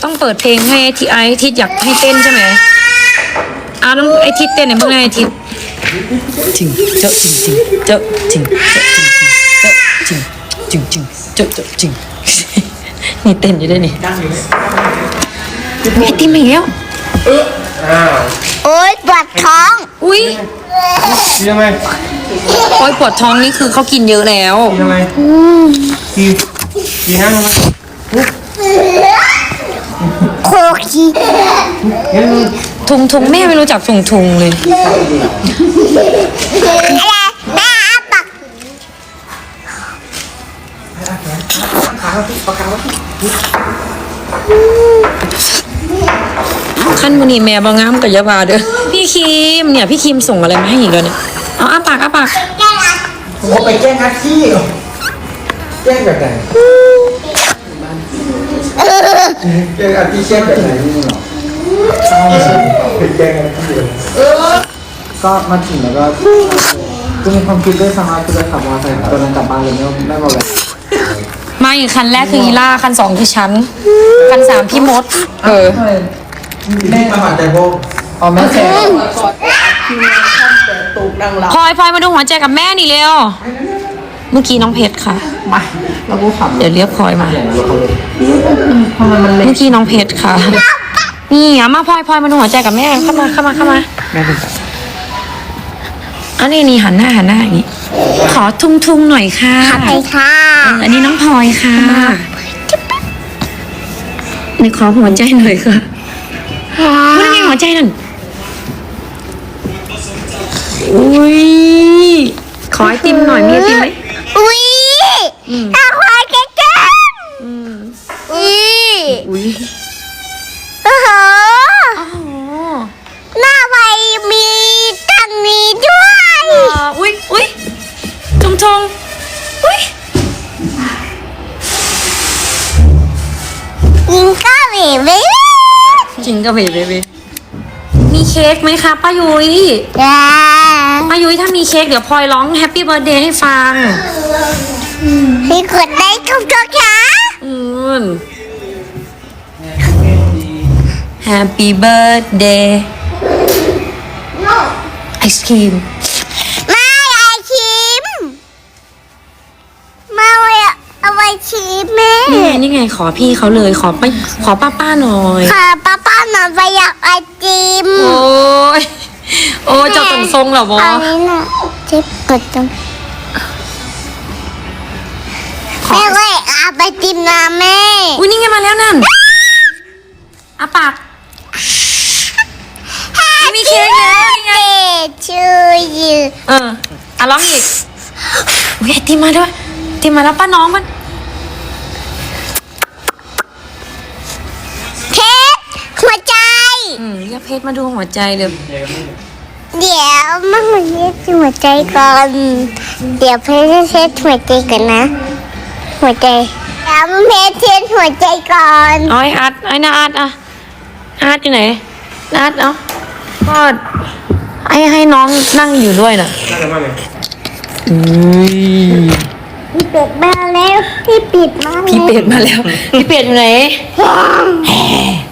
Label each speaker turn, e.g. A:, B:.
A: ต้องเปิดเพลงให้ไอทิศอยากให้เต้นใช่ไหมต้องไอทิศเต้นไหนบ้างไอทิศจริงเจาะจริงจริงเจาะจริงเจาะจริงจริงจริงเจาะจริงนี่เต้นอยู่ด้วยนี่ไอติมอีกแล้ว
B: โอ๊ยปวดท้อง
A: อุ้ย
C: ยังไง
A: โอ๊ยปวดท้องนี่คือเขากินเยอะแล้ว
C: ยังไงกี่ห้างมา
B: โคกี้
A: ทุงแม่ไม่รู้จักทุงเลย
B: อะไรแม่ปัก
A: ขั้นวันนี้แม่บางงามกับยาบาเด้อพี่คิมเนี่ยพี่คิมส่งอะไรมาให้อีกแล้วเนี่ยเอาอ้าปาก
C: ผมไปแจ้งอาชีพแจ้งแบบไหนแจ้งอาชีพแจ้งแบบไหนนี่หรอแจ้งอาชีพก็มาถึงแล้วก็มีความคิดด้วยสามารถจะขับมอเตอร์ไซค์ตอนนั้นกลับบ้านเลยไม่มาแบบ
A: มาอีกคันแรกคืออีล่าคัน2คือฉันคัน3พี่มด
C: แม่มาหัดใจพวกอ๋อแม่แจ๋
A: พลอยมาดูหัวใจกับแม่นี่เร็วเมื่อกี้น้องเพชรค่ะ
C: มาเราก็ขับ
A: เดี๋ยวเรียกพลอยมาเมื่อกี้น้องเพชรค่ะนี่มาพลอยมาดูหัวใจกับแม่เข้ามา
C: แม่เป็น
A: อันนี้หันหน้าอย่างนี้ขอทุ่งหน่อยค่ะ
B: ไปค่ะ
A: อันนี้น้องพลอยค่ะนี่ขอหัวใจหน่อยค่ะพูดยังไงหัวใจนั่นอุ้ยขอไอติมหน่อยมีไอติมไหม
B: อุ้ยเอาควายแก่อุ้ยโอ้โหหน้าใบมีตั้งนี้ด้วย
A: อุ้ยทงอุ้ย
B: ยิงก็เบบี้
A: จริงก็เบบี้มีเค้กไหมคะป้ายุ้ยป้ายุ้ยถ้ามีเค้กเดี๋ยวพลอยร้องแฮปปี้เบิร์ธเดย์ให้ฟัง
B: พี่กดได้ทุกตัวค่ะ
A: Happy birthday ไอศครีม
B: ไม่ไอชิมมาเอาไว้ชิมแม่
A: นี่ไงขอพี่เขาเลยขอป้าหน่อย
B: ค่ะป้าหน่อยไปอยากไอติม
A: โอ้ยเจ้าตึงทรงเหรอบอ
B: อันนี้น่ะเจ็บกดจังแม่ก็เอาไปติมนะแม่
A: อุ้ยนี่ไงมาแล้วนั่นอาปากมีเค้กแล้วนี่ไง
B: ชื่อยื
A: ร้องอีกอุ้ยติมมาด้วยติมมาแล้วป้าน้องมัน
B: เพชรหัวใจ
A: เรียกเพชรมาดูหัวใจเลย
B: เดี๋ยวมันเช็ดหัวใจก่อนเดี๋ยวเพชรเช็ดหัวใจก่อนนะหัวใจแล้วเพชรเช็ดหัวใจก่อน
A: ไอ้อาร์ตไอ้นาอาร์ตอาร์ตอยู่ไหนอาร์ตก็ให้น้องนั่งอยู่ด้วยน่ะ
B: พี่เป็ดมาแล้วพี่เป็ดมาแล้ว
A: พี่เป็ดอยู่ไหน